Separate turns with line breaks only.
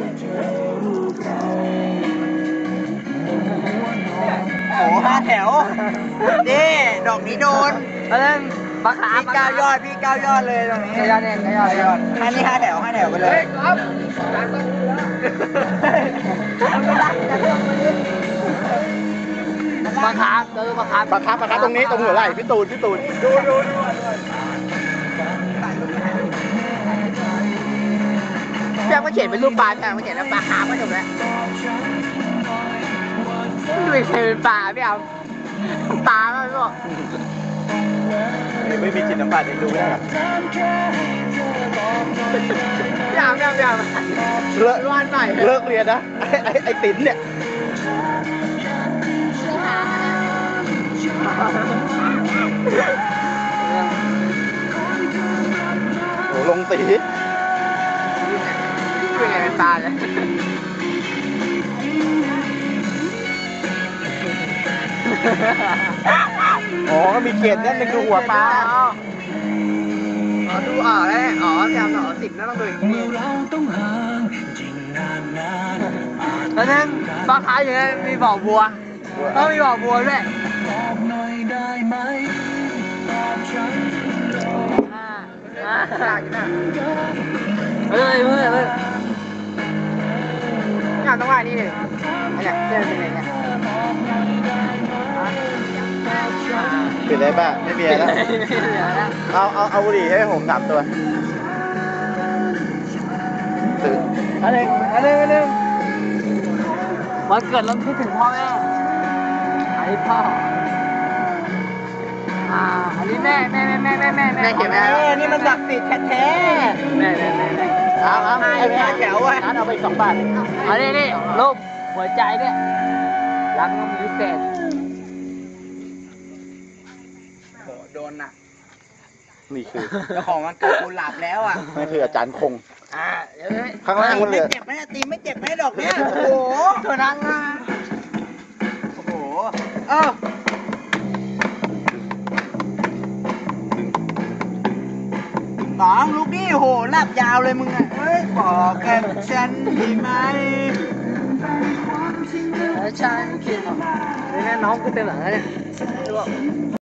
โอ้5 แถวนี่ดอกนี้โดน
แล้วนั่นปลาขา
พี่9 ยอดพี่9 ยอดเลยตรงนี้
9 ยอดเนี่ย9 ยอด
อันนี้5 แถวไปเลยครับ
ปลาขาปลาขา
ตรงนี้ตรงหัวไหล่พี่ตูนดู
แจ้งมาเขียนเป็นรูปปลาแจ้งมาเขียนแล้วปลาขาไม่จบแล้วดูอีกทีเป็นปลาพี่เอาปลาไม่บอก
ไม่มีจิตสัมผัสเองดูไม่ได้หรอ
พี่เอา
เลิก
ร้อนหน่อย
เลิกเรียนนะไอ้ติ๋นเนี่ยโอ้ลงตี
เป็นไงเป็นปลาเลย
อ๋อก็มีเกล็ดนั่นนึงดูหัวปลา
ดูแล้วแถว10น่าต้องดูอย่างนี้แล้วนั่นปลาขาอยู่นั่นมีบ่อบัวมีบ่อบัวด้วยเฮ้ยงานต้องว่านี่เลยเนี่ยเรื่องเป็นไงเนี่ย
ปิดได้ป่ะไม่มีแล้วเอาบุหรี่ให้ผม3 ตัวตื่น
อันหนึ่งวันเกิดเราคิดถึงพ่อแม่อันนี้พ่ออันนี้แม่เขียนไหม
นี่มันศักดิ์สิทธิ์แท้
แม่
เอาไอ้5 แถวไว้เอาไป2 บาท
อันนี้รูปหัวใจเนี่ยรักน้องพิเศษ
โดนน่ะ
นี่คือ
เจ้าของมันเกิดกูหลับแล้วอ่ะ
นี่คืออาจารย์คงข้างล่าง
มันเลยไม่เจ็บไหมตีไม่เจ็บไหมดอกเนี้ยโอ้โห
เธอนั่งนะ
โอ้โหน้องลูกนี่โหหลับยาวเลยมึงอ่ะเฮ้ยบอกกันฉันดีไหม
ฉันคิดนี่น้องกูเต็มหลังแล้วเนี่ย